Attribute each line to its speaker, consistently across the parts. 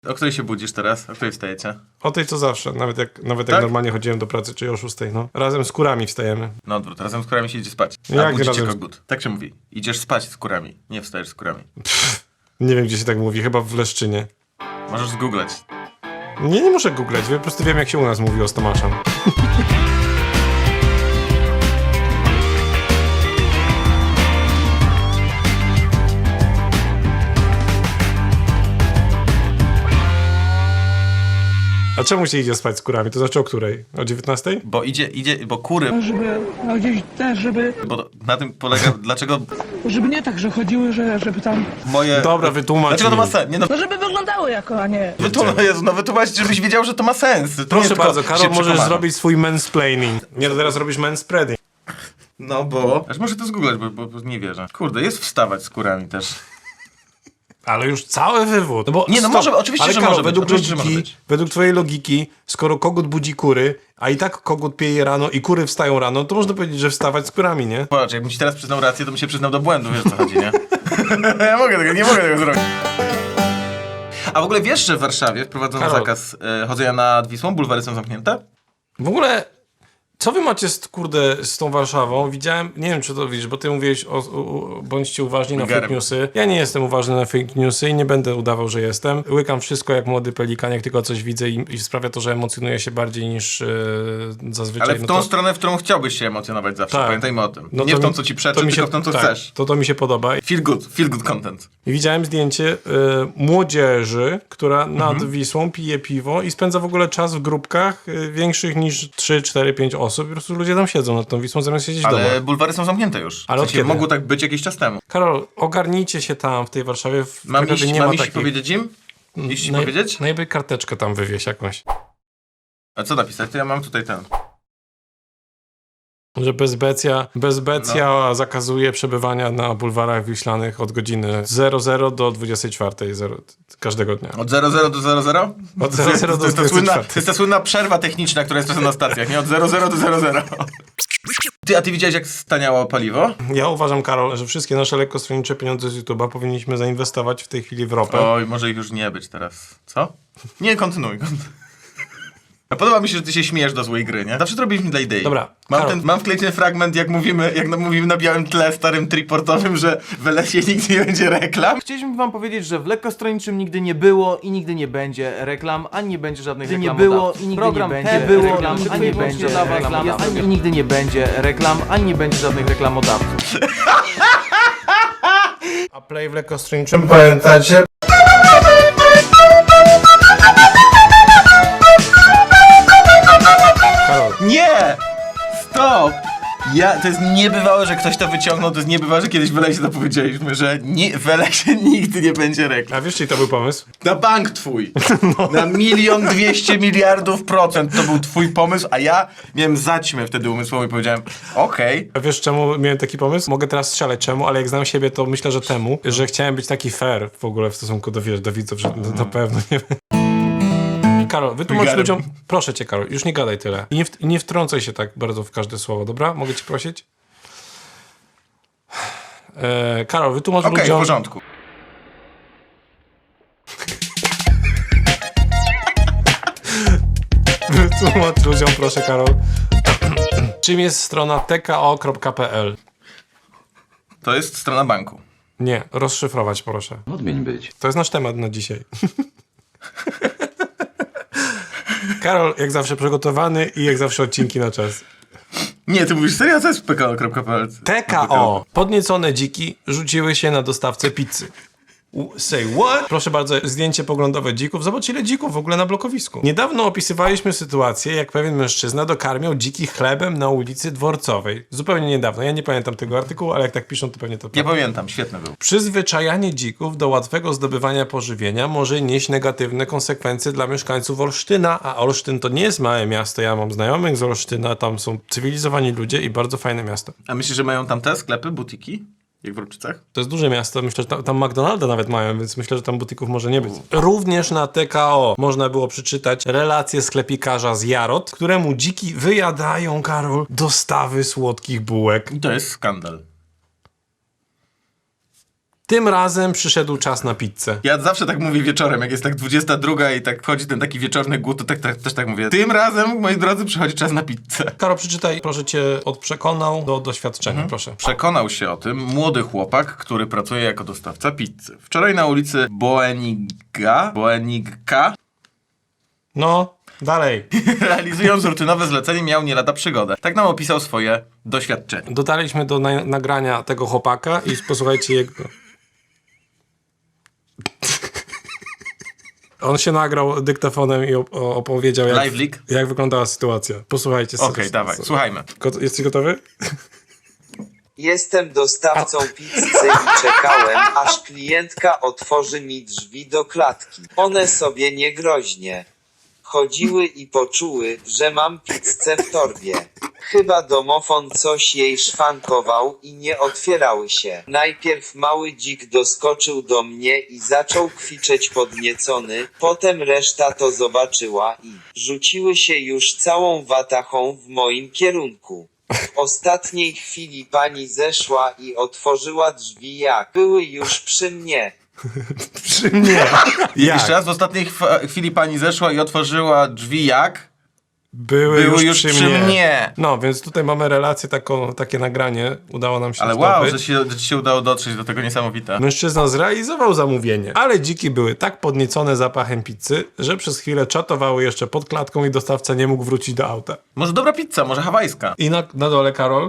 Speaker 1: O której się budzisz teraz? O której wstajecie?
Speaker 2: O tej co zawsze, nawet jak
Speaker 1: Tak?
Speaker 2: normalnie chodziłem do pracy, czyli o 6, no. Razem z kurami wstajemy.
Speaker 1: No odwrót, razem z kurami się idzie spać.
Speaker 2: Jak
Speaker 1: A budzicie
Speaker 2: razem z-
Speaker 1: kogut. Tak się mówi. Idziesz spać z kurami, nie wstajesz z kurami.
Speaker 2: Nie wiem, gdzie się tak mówi, chyba w Leszczynie.
Speaker 1: Możesz zgooglać.
Speaker 2: Nie muszę googlać, po prostu wiem, jak się u nas mówi o Stomaszem. A czemu się idzie spać z kurami? To znaczy o której? O 19?
Speaker 1: Bo kury,
Speaker 3: Żeby, no gdzieś też,
Speaker 1: bo na tym polega, dlaczego
Speaker 3: żeby nie tak, że chodziły, żeby tam,
Speaker 1: moje...
Speaker 2: Dobra, wytłumacz
Speaker 1: Dlaczego to ma
Speaker 2: mi.
Speaker 1: sens? Nie no,
Speaker 3: no żeby wyglądały jako, a nie.
Speaker 1: wytłumaczyć, żebyś wiedział, że to ma sens. To nie
Speaker 2: Proszę
Speaker 1: tylko
Speaker 2: bardzo,
Speaker 1: się
Speaker 2: Karol, możesz
Speaker 1: przekonamy.
Speaker 2: zrobić swój mansplaining. Nie, to teraz robisz manspreading.
Speaker 1: No bo... Aż muszę to zgooglać, bo nie wierzę. Kurde, jest wstawać z kurami też.
Speaker 2: Ale już cały wywód. No bo
Speaker 1: Nie, no
Speaker 2: stop.
Speaker 1: może- oczywiście,
Speaker 2: Ale
Speaker 1: że
Speaker 2: Karol,
Speaker 1: może być,
Speaker 2: według
Speaker 1: oczywiście, że
Speaker 2: logiki,
Speaker 1: może być.
Speaker 2: według twojej logiki, skoro kogut budzi kury, a i tak kogut pieje rano i kury wstają rano, to można powiedzieć, że wstawać z kurami, nie?
Speaker 1: Patrz, jakbym ci teraz przyznał rację, to bym się przyznał do błędu, wiesz o co chodzi, nie? nie mogę tego zrobić. A w ogóle wiesz, że w Warszawie wprowadzono
Speaker 2: Karol.
Speaker 1: zakaz chodzenia nad Wisłą? Bulwary są zamknięte?
Speaker 2: W ogóle, co wy macie z tą Warszawą? Widziałem, nie wiem, czy to widzisz, bo ty mówiłeś bądźcie uważni na
Speaker 1: Garem.
Speaker 2: fake newsy. Ja nie jestem uważny na fake newsy i nie będę udawał, że jestem. Łykam wszystko jak młody pelikan, jak tylko coś widzę i sprawia to, że emocjonuję się bardziej niż zazwyczaj.
Speaker 1: Ale w
Speaker 2: No
Speaker 1: tą
Speaker 2: to-
Speaker 1: stronę, w którą chciałbyś się emocjonować zawsze,
Speaker 2: Tak.
Speaker 1: pamiętajmy o tym.
Speaker 2: No
Speaker 1: Nie
Speaker 2: to
Speaker 1: w tą,
Speaker 2: mi-
Speaker 1: co ci
Speaker 2: to
Speaker 1: przeczy,
Speaker 2: mi się-
Speaker 1: tylko w tą, co
Speaker 2: tak,
Speaker 1: chcesz.
Speaker 2: To mi się podoba.
Speaker 1: Feel good content.
Speaker 2: I widziałem zdjęcie młodzieży, która nad
Speaker 1: Mhm.
Speaker 2: Wisłą pije piwo i spędza w ogóle czas w grupkach większych niż 3, 4, 5 osób. I po prostu ludzie tam siedzą nad tą Wisłą zamiast siedzieć w domu.
Speaker 1: Ale bulwary są zamknięte już.
Speaker 2: Ale
Speaker 1: W
Speaker 2: od
Speaker 1: sensie
Speaker 2: kiedy?
Speaker 1: mogło tak być jakiś czas temu.
Speaker 2: Karol, ogarnijcie się tam w tej Warszawie. W
Speaker 1: Mam
Speaker 2: Krakowie
Speaker 1: iść,
Speaker 2: nie ma
Speaker 1: mam iść
Speaker 2: takich.
Speaker 1: powiedzieć im? Iść ci powiedzieć?
Speaker 2: Najlepiej karteczkę tam wywieź jakąś.
Speaker 1: A co napisać? To ja mam tutaj ten.
Speaker 2: Że bezbecja
Speaker 1: No.
Speaker 2: zakazuje przebywania na bulwarach wiślanych od godziny 00 do 24 każdego dnia.
Speaker 1: Od 00 do 00?
Speaker 2: Od 00 do
Speaker 1: to jest ta słynna,
Speaker 2: 24.
Speaker 1: to jest ta słynna przerwa techniczna, która jest czasem na stacjach, nie? Od 00 do 00. A ty widziałeś, jak staniało paliwo?
Speaker 2: Ja uważam, Karol, że wszystkie nasze lekkostronnicze pieniądze z YouTube'a powinniśmy zainwestować w tej chwili w ropę.
Speaker 1: Oj, może ich już nie być teraz. Co? Nie, kontynuuj. A podoba mi się, że ty się śmiejesz do złej gry, nie? Zawsze to robiliśmy dla idei.
Speaker 2: Dobra, Karol.
Speaker 1: Mam wklejony ten fragment, jak mówimy na białym tle starym triportowym, że w lesie nigdy nie będzie reklam.
Speaker 4: Chcieliśmy wam powiedzieć, że w lekkostronniczym nigdy nie było i nigdy nie będzie reklam, ani nie będzie żadnych
Speaker 5: Nigdy nie
Speaker 4: reklamodawców.
Speaker 5: było i nigdy
Speaker 4: Program
Speaker 5: nie
Speaker 4: ten
Speaker 5: będzie
Speaker 4: było,
Speaker 5: reklam,
Speaker 4: nigdy
Speaker 5: ani
Speaker 4: nie
Speaker 5: będzie
Speaker 4: będzie dla was
Speaker 5: reklam,
Speaker 4: reklam, i nigdy nie będzie reklam, ani nie będzie żadnych reklamodawców.
Speaker 2: A play w lekkostronniczym, pamiętacie? Karol,
Speaker 1: Nie! Stop! To jest niebywałe, że ktoś to wyciągnął, to jest niebywałe, że kiedyś w lesie to powiedzieliśmy, że w lesie nigdy nie będzie reklam.
Speaker 2: a wiesz, czyj to był pomysł?
Speaker 1: Na bank twój. Na 1,200,000,000% to był twój pomysł, a ja miałem zaćmę wtedy umysłową i powiedziałem, okej.
Speaker 2: A wiesz, czemu miałem taki pomysł? Mogę teraz strzelać czemu, ale jak znam siebie, to myślę, że temu, że chciałem być taki fair w ogóle w stosunku do widzów, że na pewno nie. Karol, wytłumacz
Speaker 1: Garem.
Speaker 2: ludziom, proszę cię, Karol, już nie gadaj tyle. I nie wtrącaj się tak bardzo w każde słowo, dobra? Mogę cię prosić? Karol, wytłumacz
Speaker 1: Okej, w
Speaker 2: ludziom...
Speaker 1: porządku.
Speaker 2: Wytłumacz ludziom, proszę, Karol. Czym jest strona tko.pl?
Speaker 1: To jest strona banku.
Speaker 2: Nie, rozszyfrować, proszę.
Speaker 5: Odmień być.
Speaker 2: To jest nasz temat na dzisiaj. Karol, jak zawsze przygotowany i jak zawsze odcinki na czas.
Speaker 1: Nie, ty mówisz serio? Co jest pko.pl?
Speaker 2: TKO. Podniecone dziki rzuciły się na dostawcę pizzy. Say what? Proszę bardzo, zdjęcie poglądowe dzików. Zobacz, ile dzików w ogóle na blokowisku. Niedawno opisywaliśmy sytuację, jak pewien mężczyzna dokarmiał dziki chlebem na ulicy Dworcowej. Zupełnie niedawno. Ja nie pamiętam tego artykułu, ale jak tak piszą, to pewnie to
Speaker 1: Nie
Speaker 2: prawda.
Speaker 1: pamiętam, świetny był.
Speaker 2: Przyzwyczajanie dzików do łatwego zdobywania pożywienia może nieść negatywne konsekwencje dla mieszkańców Olsztyna, a Olsztyn to nie jest małe miasto. Ja mam znajomych z Olsztyna, tam są cywilizowani ludzie i bardzo fajne miasto.
Speaker 1: A myślisz, że mają tam te sklepy, butiki? Jak w Ropczycach?
Speaker 2: To jest duże miasto, myślę, że tam McDonalda nawet mają, więc myślę, że tam butików może nie być. Również na TKO można było przeczytać relację sklepikarza z Jarot, któremu dziki wyjadają, Karol, dostawy słodkich bułek.
Speaker 1: I to jest skandal.
Speaker 2: Tym razem przyszedł czas na pizzę.
Speaker 1: Ja zawsze tak mówię wieczorem, jak jest tak 22 i tak wchodzi ten taki wieczorny głód, to też tak mówię. Tym razem, moi drodzy, przychodzi czas na pizzę.
Speaker 2: Karol, przeczytaj, proszę cię, od przekonał do doświadczenia, proszę.
Speaker 1: Przekonał się o tym młody chłopak, który pracuje jako dostawca pizzy. Wczoraj na ulicy Boenigka
Speaker 2: No, dalej.
Speaker 1: realizując rutynowe zlecenie miał nie lada przygodę. Tak nam opisał swoje doświadczenie.
Speaker 2: Dotarliśmy do nagrania tego chłopaka i posłuchajcie jego... On się nagrał dyktafonem i opowiedział,
Speaker 1: Live leak?
Speaker 2: jak wyglądała sytuacja. Posłuchajcie.
Speaker 1: Okej, dawaj, słuchajmy.
Speaker 2: Jesteś gotowy?
Speaker 5: Jestem dostawcą pizzy i czekałem, aż klientka otworzy mi drzwi do klatki. One sobie niegroźnie chodziły i poczuły, że mam pizzę w torbie. Chyba domofon coś jej szwankował i nie otwierały się. Najpierw mały dzik doskoczył do mnie i zaczął kwiczeć podniecony, potem reszta to zobaczyła i rzuciły się już całą watachą w moim kierunku. W ostatniej chwili pani zeszła i otworzyła drzwi jak były już przy mnie.
Speaker 2: Przy mnie. Jak?
Speaker 1: Jeszcze raz, w ostatniej chwili pani zeszła i otworzyła drzwi jak?
Speaker 2: Były już przy
Speaker 1: mnie.
Speaker 2: No, więc tutaj mamy relację, takie nagranie. Udało nam się
Speaker 1: Ale
Speaker 2: zdobyć.
Speaker 1: wow, że ci się udało dotrzeć do tego, niesamowite.
Speaker 2: Mężczyzna zrealizował zamówienie, ale dziki były tak podniecone zapachem pizzy, że przez chwilę czatowały jeszcze pod klatką i dostawca nie mógł wrócić do auta.
Speaker 1: Może dobra pizza, może hawajska.
Speaker 2: I na dole, Karol...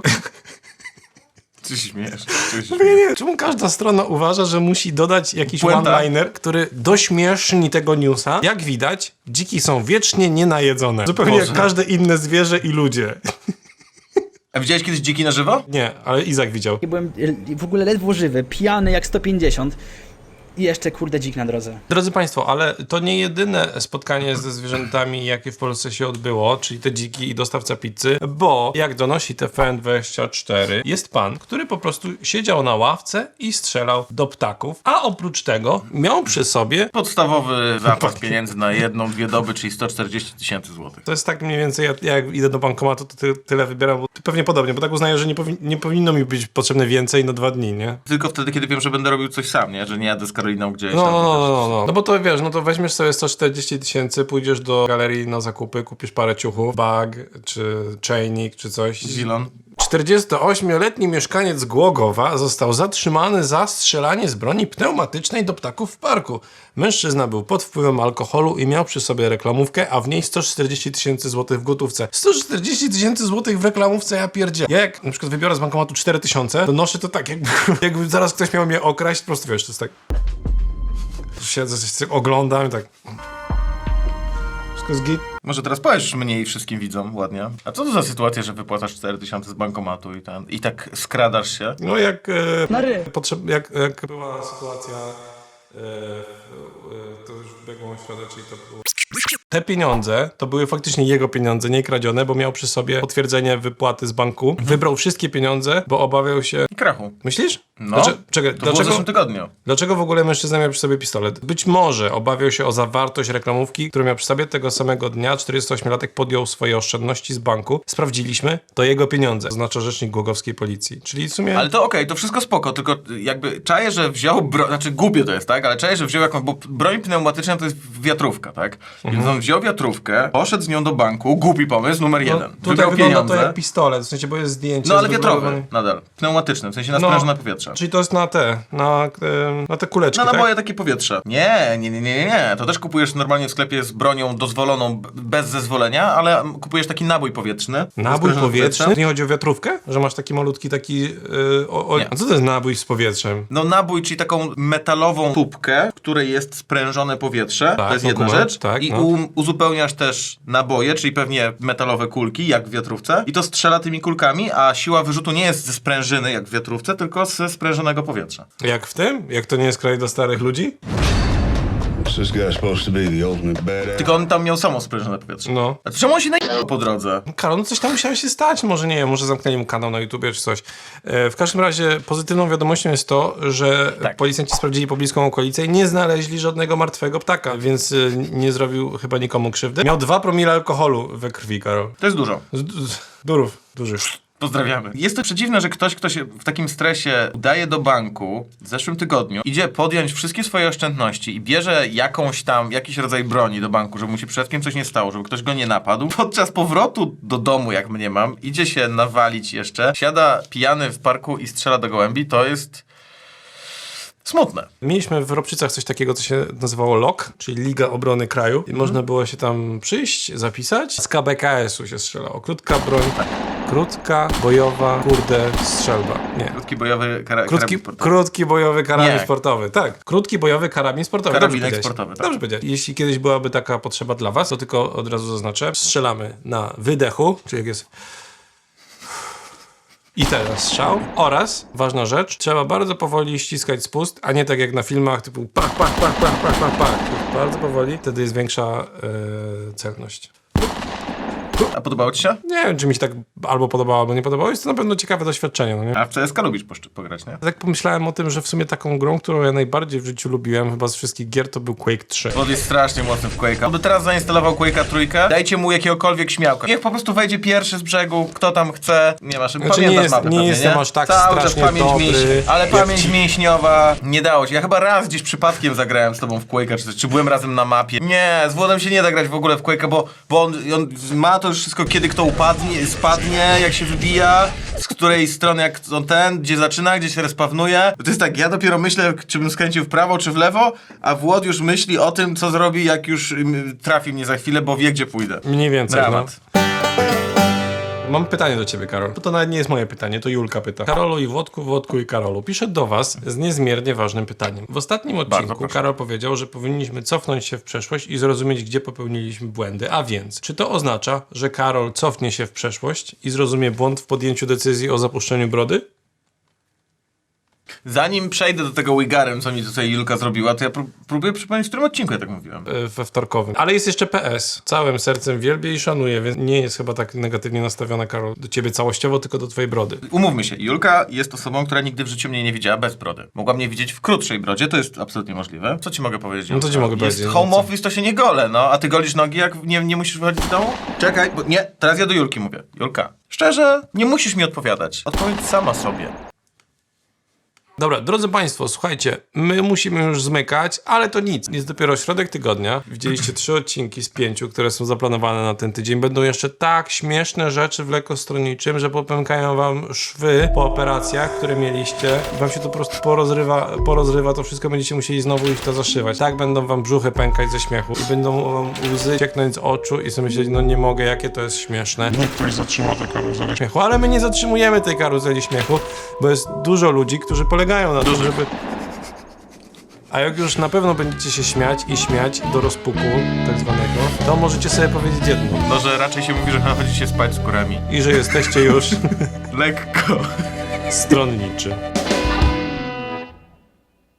Speaker 1: Czy się śmiejesz?
Speaker 2: Nie, czemu każda strona uważa, że musi dodać jakiś
Speaker 1: Puenta.
Speaker 2: one-liner, który dośmieszni tego newsa? Jak widać, dziki są wiecznie nienajedzone. Zupełnie
Speaker 1: Boże.
Speaker 2: jak każde inne zwierzę i ludzie.
Speaker 1: A widziałeś kiedyś dziki na żywo?
Speaker 2: Nie, ale Izak widział.
Speaker 6: Byłem w ogóle ledwo żywy, pijany jak 150 i jeszcze kurde dzik na drodze.
Speaker 2: Drodzy Państwo, ale to nie jedyne spotkanie ze zwierzętami, jakie w Polsce się odbyło, czyli te dziki i dostawca pizzy, bo jak donosi TVN24, jest pan, który po prostu siedział na ławce i strzelał do ptaków, a oprócz tego miał przy sobie...
Speaker 1: Podstawowy zapas pieniędzy na 1-2 doby, czyli 140 000 złotych.
Speaker 2: To jest tak mniej więcej, jak idę do bankomatu, to tyle wybieram, bo pewnie podobnie, bo tak uznaję, że nie powinno mi być potrzebne więcej na 2 dni, nie?
Speaker 1: Tylko wtedy, kiedy wiem, że będę robił coś sam, nie? Że nie jadę z Karoliną gdzieś
Speaker 2: No,
Speaker 1: tam.
Speaker 2: No bo to wiesz, no to weźmiesz sobie 140 000, pójdziesz do galerii na zakupy, kupisz parę ciuchów, bag, czy czajnik, czy coś.
Speaker 1: Zilon.
Speaker 2: 48-letni mieszkaniec Głogowa został zatrzymany za strzelanie z broni pneumatycznej do ptaków w parku. Mężczyzna był pod wpływem alkoholu i miał przy sobie reklamówkę, a w niej 140 000 złotych w gotówce. 140 000 złotych w reklamówce, ja pierdzie. Ja jak na przykład wybiorę z bankomatu 4000, to noszę to tak, jakby zaraz ktoś miał mnie okraść, po prostu wiesz, to jest tak... Siedzę, coś oglądam i tak... Wszystko jest git.
Speaker 1: Może teraz powiesz mnie i wszystkim widzom ładnie. A co to za sytuacja, że wypłacasz 4000 z bankomatu i tak skradasz się?
Speaker 2: No jak...
Speaker 3: Na ry.
Speaker 2: jak była sytuacja... to już biegłą środę, czyli to było... Te pieniądze to były faktycznie jego pieniądze, nie kradzione, bo miał przy sobie potwierdzenie wypłaty z banku. Wybrał wszystkie pieniądze, bo obawiał się...
Speaker 1: I krachu.
Speaker 2: Myślisz?
Speaker 1: No,
Speaker 2: Czekaj,
Speaker 1: to było w zeszłym tygodniu.
Speaker 2: Dlaczego w ogóle mężczyzna miał przy sobie pistolet? Być może obawiał się o zawartość reklamówki, którą miał przy sobie. Tego samego dnia 48-latek podjął swoje oszczędności z banku. Sprawdziliśmy, to jego pieniądze, oznacza rzecznik głogowskiej policji. Czyli w sumie...
Speaker 1: Ale to okej, to wszystko spoko, tylko jakby czaję, że wziął broń, znaczy głupie to jest, tak? Ale czaję, że wziął jakąś, bo broń pneumatyczna to jest wiatrówka, tak? Więc on wziął wiatrówkę, poszedł z nią do banku, głupi pomysł, numer jeden.
Speaker 2: Tutaj
Speaker 1: Wybrał
Speaker 2: wygląda
Speaker 1: pieniądze.
Speaker 2: to jak pistolet, w sensie, bo jest zdjęcie.
Speaker 1: No ale
Speaker 2: jest
Speaker 1: wiatrowy
Speaker 2: wyglądany-
Speaker 1: nadal, pneumatyczny, w sensie na sprężone powietrze.
Speaker 2: Czyli to jest na te kuleczki,
Speaker 1: Na
Speaker 2: tak?
Speaker 1: naboje takie powietrze. Nie. To też kupujesz normalnie w sklepie z bronią dozwoloną bez zezwolenia, ale kupujesz taki nabój powietrzny.
Speaker 2: Nabój
Speaker 1: Sprężony
Speaker 2: powietrzny?
Speaker 1: powietrzem.
Speaker 2: Nie chodzi o wiatrówkę? Że masz taki malutki taki...
Speaker 1: Nie.
Speaker 2: A co to jest nabój z powietrzem?
Speaker 1: No nabój, czyli taką metalową tubkę, w której jest sprężone powietrze,
Speaker 2: Tak,
Speaker 1: to jest
Speaker 2: no
Speaker 1: jedna
Speaker 2: kumam,
Speaker 1: rzecz.
Speaker 2: tak,
Speaker 1: I
Speaker 2: no.
Speaker 1: uzupełniasz też naboje, czyli pewnie metalowe kulki, jak w wiatrówce. I to strzela tymi kulkami, a siła wyrzutu nie jest ze sprężyny, jak w wiatrówce, tylko ze sprężonego powietrza.
Speaker 2: Jak w tym? Jak to nie jest kraj dla starych ludzi?
Speaker 7: This guy's supposed to be the ultimate badass.
Speaker 1: Tylko on tam miał samo sprężone powietrze.
Speaker 2: No.
Speaker 1: A to czemu on się najechał po drodze?
Speaker 2: Karol, no coś tam musiało się stać, może nie wiem, może zamknęli mu kanał na YouTubie czy coś. W każdym razie pozytywną wiadomością jest to, że
Speaker 1: Tak.
Speaker 2: policjanci sprawdzili pobliską okolicę i nie znaleźli żadnego martwego ptaka, więc nie zrobił chyba nikomu krzywdy. Miał 2 promile alkoholu we krwi, Karol.
Speaker 1: To jest dużo.
Speaker 2: Dużych.
Speaker 1: Pozdrawiamy. Jest to przedziwne, że ktoś, kto się w takim stresie udaje do banku w zeszłym tygodniu, idzie podjąć wszystkie swoje oszczędności i bierze jakiś rodzaj broni do banku, żeby mu się przed kim coś nie stało, żeby ktoś go nie napadł. Podczas powrotu do domu, jak mnie mam, idzie się nawalić jeszcze, siada pijany w parku i strzela do gołębi, to jest smutne.
Speaker 2: Mieliśmy w Ropczycach coś takiego, co się nazywało LOK, czyli Liga Obrony Kraju. I można było się tam przyjść, zapisać. Z KBKS-u się strzelało. Krótka broń, krótka, bojowa, strzelba. Nie.
Speaker 1: Krótki bojowy karabin sportowy.
Speaker 2: Krótki bojowy karabin
Speaker 1: Nie.
Speaker 2: sportowy. Tak, krótki bojowy karabin sportowy.
Speaker 1: Karabinek
Speaker 2: Dobrze powiedziałeś.
Speaker 1: sportowy, tak.
Speaker 2: Dobrze powiedziałeś. Jeśli kiedyś byłaby taka potrzeba dla was, to tylko od razu zaznaczę. Strzelamy na wydechu, czyli jak jest... I teraz strzał. Oraz, ważna rzecz, trzeba bardzo powoli ściskać spust, a nie tak jak na filmach typu pach, pach, pach, pach, pach, pach, pach. Bardzo powoli, wtedy jest większa celność.
Speaker 1: A podobało ci się?
Speaker 2: Nie wiem, czy mi się tak albo podobało, albo nie podobało. Jest to na pewno ciekawe doświadczenie, no nie?
Speaker 1: A w CSK lubisz pograć, nie?
Speaker 2: Tak pomyślałem o tym, że w sumie taką grą, którą ja najbardziej w życiu lubiłem, chyba z wszystkich gier, to był Quake 3.
Speaker 1: Wod jest strasznie mocny w Quake'a. Gdyby teraz zainstalował Quake'a trójkę, dajcie mu jakiegokolwiek śmiałka. Niech po prostu wejdzie pierwszy z brzegu, kto tam chce. Nie masz,
Speaker 2: Znaczy,
Speaker 1: pamiętasz
Speaker 2: nie
Speaker 1: mapę
Speaker 2: jest- nie
Speaker 1: pewnie,
Speaker 2: jestem aż tak
Speaker 1: Cały czas
Speaker 2: strasznie
Speaker 1: pamięć
Speaker 2: dobry,
Speaker 1: ale
Speaker 2: jak
Speaker 1: pamięć
Speaker 2: ci.
Speaker 1: mięśniowa nie dało się. Ja chyba raz gdzieś przypadkiem zagrałem z tobą w Quake'a, czy byłem razem na mapie. Nie, z Włodem się nie da grać w ogóle w Quake'a, bo on ma to już wszystko, kiedy kto spadnie, jak się wybija, z której strony jak on gdzie zaczyna, gdzie się respawnuje. To jest tak, ja dopiero myślę, czy bym skręcił w prawo, czy w lewo, a Włod już myśli o tym, co zrobi, jak już trafi mnie za chwilę, bo wie, gdzie pójdę.
Speaker 2: Mniej więcej,
Speaker 1: Dramat.
Speaker 2: Mam pytanie do ciebie, Karol. To nawet nie jest moje pytanie, to Julka pyta. Karolu i Włodku, Włodku i Karolu. Piszę do was z niezmiernie ważnym pytaniem. W ostatnim odcinku
Speaker 1: proszę.
Speaker 2: Karol powiedział, że powinniśmy cofnąć się w przeszłość i zrozumieć, gdzie popełniliśmy błędy. A więc, czy to oznacza, że Karol cofnie się w przeszłość i zrozumie błąd w podjęciu decyzji o zapuszczeniu brody?
Speaker 1: Zanim przejdę do tego Wigarem, co mi tutaj Julka zrobiła, to ja próbuję przypomnieć, w którym odcinku ja tak mówiłem.
Speaker 2: We wtorkowym. Ale jest jeszcze PS. Całym sercem wielbię i szanuję, więc nie jest chyba tak negatywnie nastawiona, Karol, do ciebie całościowo, tylko do twojej brody.
Speaker 1: Umówmy się, Julka jest osobą, która nigdy w życiu mnie nie widziała bez brody. Mogła mnie widzieć w krótszej brodzie, to jest absolutnie możliwe. Co ci mogę powiedzieć?
Speaker 2: No to
Speaker 1: Julka?
Speaker 2: ci mogę
Speaker 1: jest
Speaker 2: powiedzieć,
Speaker 1: home
Speaker 2: no co?
Speaker 1: office, to się nie gole, no. A ty golisz nogi, jak nie musisz wychodzić z domu? Czekaj, bo nie, teraz ja do Julki mówię. Julka, szczerze, nie musisz mi odpowiadać. Odpowiedz sama sobie.
Speaker 2: Dobra, drodzy Państwo, słuchajcie, my musimy już zmykać, ale to nic. Jest dopiero środek tygodnia. Widzieliście 3 odcinki z 5, które są zaplanowane na ten tydzień. Będą jeszcze tak śmieszne rzeczy w lekostronniczym, że popękają wam szwy po operacjach, które mieliście. Wam się to po prostu porozrywa to wszystko, będziecie musieli znowu iść to zaszywać. Tak będą wam brzuchy pękać ze śmiechu i będą wam łzy cieknąć z oczu i sobie myśleć, no nie mogę, jakie to jest śmieszne. Niech ktoś zatrzyma tę karuzelę śmiechu. Ale my nie zatrzymujemy tej karuzeli śmiechu, bo jest dużo ludzi, którzy polegają na tym, żeby... A jak już na pewno będziecie się śmiać i śmiać do rozpuku tak zwanego, to możecie sobie powiedzieć jedno.
Speaker 1: No, że raczej się mówi, że chodzicie spać z kurami.
Speaker 2: I że jesteście już
Speaker 1: Lekko.
Speaker 2: stronniczy.